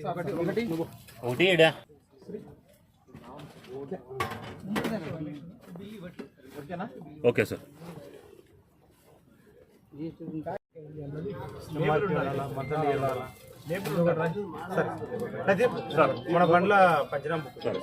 ఒకటి ఏడా okay sir. మన బండ్ల పంచనామ సరే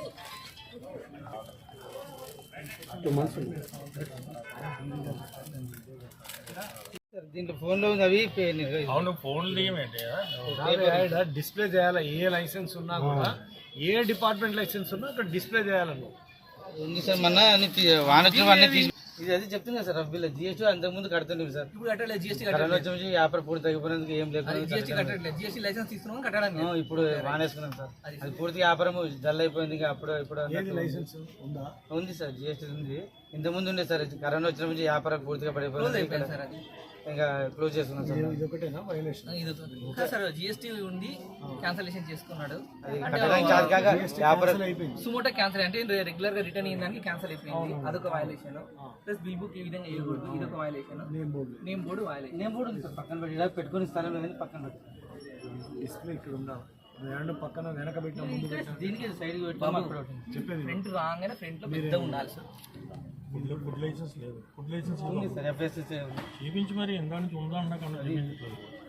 దీంట్లో ఫోన్లో ఉంది అవి అవును ఫోన్లు ఏమేంటి డిస్ప్లే చేయాలి. ఏ లైసెన్స్ ఉన్నా కూడా ఏ డిపార్ట్మెంట్ లైసెన్స్ ఉన్నా అక్కడ డిస్ప్లే చేయాలను ఉంది సార్. మొన్న అన్ని వానొచ్చిన అన్నీ ఇది అది చెప్తుంది కదా సార్. వీళ్ళ జిఎస్టీ అంతకుముందు కడుతుంది సార్. ఇప్పుడు కట్టలేదు జిఎస్టీ వచ్చి వ్యాపారం పూర్తి తగ్గిపోయినందుకు ఏం లేకుండా జిఎస్టీ లైసెన్స్ తీసుకున్నాం కట్టడానికి ఇప్పుడు వానేసుకున్నాం సార్. అది పూర్తి వ్యాపారం డల్ అయిపోయింది. అప్పుడు లైసెన్స్ ఉంది సార్. జిఎస్టీ ఉంది. ఇంతకుముందు ఉండే సార్. కరోనా వచ్చిన నుంచి వ్యాపారం పూర్తిగా పడిపోయింది సార్. ఇంకా క్లోజ్ చేసుకున్నాం సార్. ఇది ఒకటేనా వైలేషన్? సార్ జిఎస్టీ ఉండి క్యాన్సలేషన్ చేసుకున్నాడు. సుమోటో క్యాన్సల్ అంటే రెగ్యులర్ గా రిటర్న్ అయ్యిందానికి క్యాన్సల్ అయిపోయింది. అదొక వైలేషన్. ప్లస్ బిల్ బుక్ ఈ విధంగా వేయకూడదు. ఇదొక violation. Name board violation. Name board ఉంది సార్. పక్కన పెట్టి పెట్టుకుని స్థలం లేదని పక్కన పెట్టి డిస్ప్లే ఇక్కడ ఉండాలి. పక్కన వెనక పెట్టిన ముందు దీనికి సైడ్ చెప్పేది ఫ్రంట్ రాగానే ఫ్రంట్ లో పెద్ద ఉండాలి సార్. ఫుడ్ లైసెన్స్ లేదు. ఫుడ్ లైసెన్స్ ఉంది సార్. ఎఫ్ఎస్ఎస్ చూపించి మరి ఎంత ఉందా అన్నా